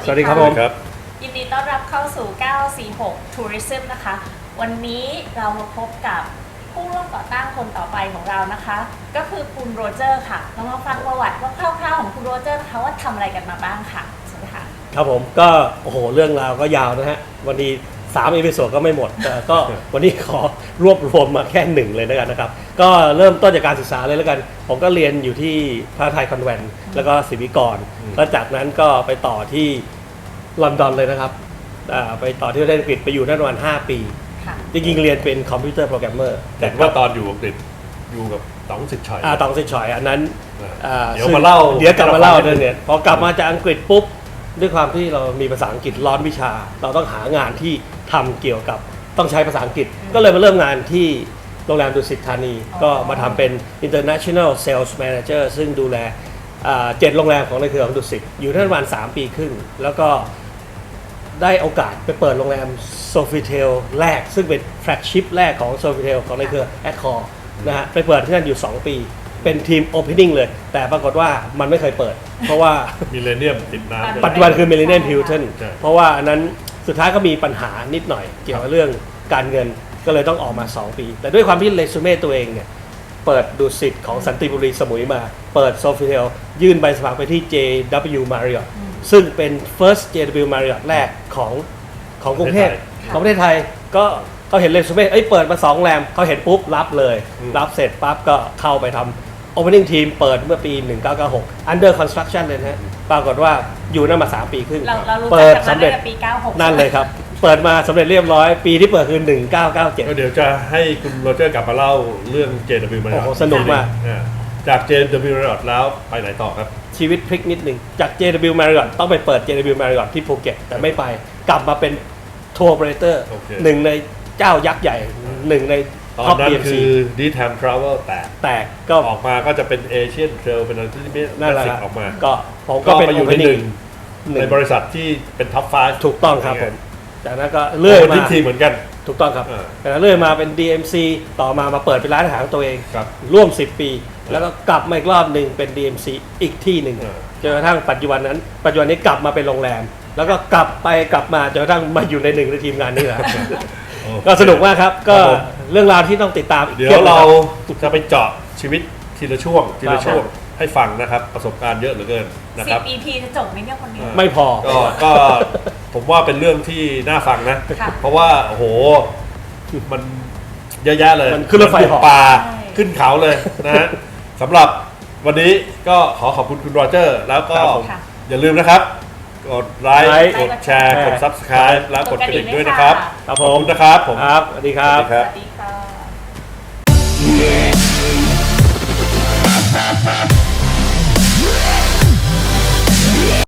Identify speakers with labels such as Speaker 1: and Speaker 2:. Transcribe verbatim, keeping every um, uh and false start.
Speaker 1: สวัสดีครับผม
Speaker 2: ยินดีต้อนรับเข้าสู่เก้าสี่หก Tourism นะคะวันนี้เรามาพบกับผู้ร่วมก่อตั้งคนต่อไปของเรานะคะก็คือคุณโรเจอร์ค่ะเรามาฟังประวัติว่าคร่าวๆของคุณโรเจอร์นะคะว่าทำอะไรกันมาบ้างค่ะสวัสดีค่ะ
Speaker 1: ครับผมก็โอ้โหเรื่องราวก็ยาวนะฮะวันนี้สามอีพิโซดก็ไม่หมดแต่ก็วันนี้ขอรวบรวมมาแค่หนึ่งเลยแล้วกันนะครับก็เริ่มต้นจากการศึกษาเลยแล้วกันผมก็เรียนอยู่ที่พระไทยคอนแวนต์แล้วก็ศิวิกรแล้วจากนั้นก็ไปต่อที่ลอนดอนเลยนะครับไปต่อที่ประเทศอังกฤษไปอยู่นั่นประมาณห้าปีจริงๆเรียนเป็นคอมพิวเตอร์โปรแกรมเมอร์
Speaker 3: แต่ว่าตอนอยู่อังกฤษอยู่กับต๋องสิทธิ์ฉอย
Speaker 1: อ่าต๋องสิทธิ์ฉอยอันนั้น
Speaker 3: เดี๋ยวมาเล่า
Speaker 1: เดี๋ยวกลับมาเล่าเรื่องนี้พอกลับมาจากอังกฤษปุ๊บด้วยความที่เรามีภาษาอังกฤษร้อนวิชาเราต้องหางานที่ทำเกี่ยวกับต้องใช้ภาษาอังกฤษก็เลยมาเริ่มงานที่โรงแรมดุสิตธานีก็มาทำเป็น International Sales Manager ซึ่งดูแลเจ็ดโรงแรมของในเครือของดุสิตอยู่ที่ประมาณสามปีครึ่งแล้วก็ได้โอกาสไปเปิดโรงแรม Sofitel แรกซึ่งเป็นแฟลกชิพแรกของ Sofitel ของในเครือ Accor นะฮะไปเปิดที่นั่นอยู่สองปีเป็นทีม Opening เลยแต่ปรากฏว่ามันไม่เคยเปิดเพราะว่า
Speaker 3: มิเลเนียมติดน้ำ
Speaker 1: ปัจจุบันคือ Millennium Hilton เพราะว่าอันนั้นสุดท้ายก็มีปัญหานิดหน่อยเกี่ยวกับเรื่องการเงินก็เลยต้องออกมาสองปีแต่ด้วยความที่เรซูเม่ตัวเองเนี่ยเปิดดุสิตของสันติบุรีสมุยมาเปิด Sofitel ยื่นใบสมัครไปที่ เจ ดับเบิลยู Marriott ซึ่งเป็น first เจ ดับเบิลยู Marriott แรกของของกรุงเทพของประเทศไทยก็เขาเห็นเรซูเม่เอ้ยเปิดมาสองโรงแรมเขาเห็นปุ๊บรับเลยรับเสร็จปั๊บก็เข้าไปทำ Opening Team เปิดเมื่อปีหนึ่งเก้าเก้าหก Under Construction เลยนะฮะปรากฏว่าอยู่นั่นมาสามปีครึ่ง
Speaker 2: เปิดสำเร็จปีเก้าหก
Speaker 1: นั่นเลยครับเปิดมาสำเร็จเรียบร้อยปีที่เปิดคือหนึ่งเก้าเก้าเจ็ด
Speaker 3: ก็เดี๋ยวจะให้คุณโรเจอร์กลับมาเล่าเรื่อง เจ ดับเบิลยู Marriott
Speaker 1: โอ้โหสนุกมาก
Speaker 3: จาก เจ ดับเบิลยู Marriott แล้วไปไหนต่อครับ
Speaker 1: ชีวิตพลิกนิดหนึ่งจาก เจ ดับเบิลยู Marriott ต้องไปเปิด เจ ดับเบิลยู Marriott ที่ภูเก็ตแต่ไม่ไปกลับมาเป็นทัวร์โอเปอเรเตอร์หนึ่งในเจ้ายักษ์ใหญ่หนึ่งใน
Speaker 3: ตอนนั้นคือ ดี ไทม์ Travel แตก
Speaker 1: แตกก็
Speaker 3: ออกมาก็จะเป็น Asian Trail เป็นอะไรที่
Speaker 1: นั่นแหละ
Speaker 3: ออกมา
Speaker 1: ก็ผมก็เป็น
Speaker 3: อยู่ในหนึ่งในบริษัทที่เป็นท็อปไฟว์
Speaker 1: ถูกต้องครับผมจากนั้นก็เลื่อยมา
Speaker 3: ทีเหมือนกัน
Speaker 1: ถูกต้องครับแต่เลื่อยมาเป็น ดี เอ็ม ซี ต่อมามาเปิดเป็นร้านอาหารตัวเองร่วมสิบปีแล้วก็กลับมาอีกรอบหนึ่งเป็น ดี เอ็ม ซี อีกที่หนึ่งจนกระทั่งปัจจุบันนั้นปัจจุบันนี้กลับมาเป็นโรงแรมแล้วก็กลับไปกลับมาจนกระทั่งมาอยู่ในหนึ่งในทีมงานนี่แหละก็สนุกมากครับก็เรื่องราวที่ต้องติดตาม
Speaker 3: เดี๋ยวเราจะไปเจาะชีวิตทีละช่วงทีละช่วงให้ฟังนะครับประสบการณ์เยอะเหลือเกินนะครับ
Speaker 2: สิบ อี พี จะจบไหมเนี่ยคนนี้
Speaker 1: ไม่พอ
Speaker 3: ก็ก็ผมว่าเป็นเรื่องที่น่าฟังนะเพราะว่าโอ้โหมันเยอะแยะเลย
Speaker 1: มันขึ้นรถไฟ
Speaker 3: เหาะป่าขึ้นเขาเลยนะฮะสำหรับวันนี้ก็ขอขอบคุณคุณโรเจอร์แล้วก็อย่าลืมนะครับกดไลค์กดแชร์กด ซับสไครบ์ แล้วกดกระดิ่งด้วยนะครับ
Speaker 1: ขอบ
Speaker 3: คุณนะครับผม
Speaker 1: ครับสวัสดีครับ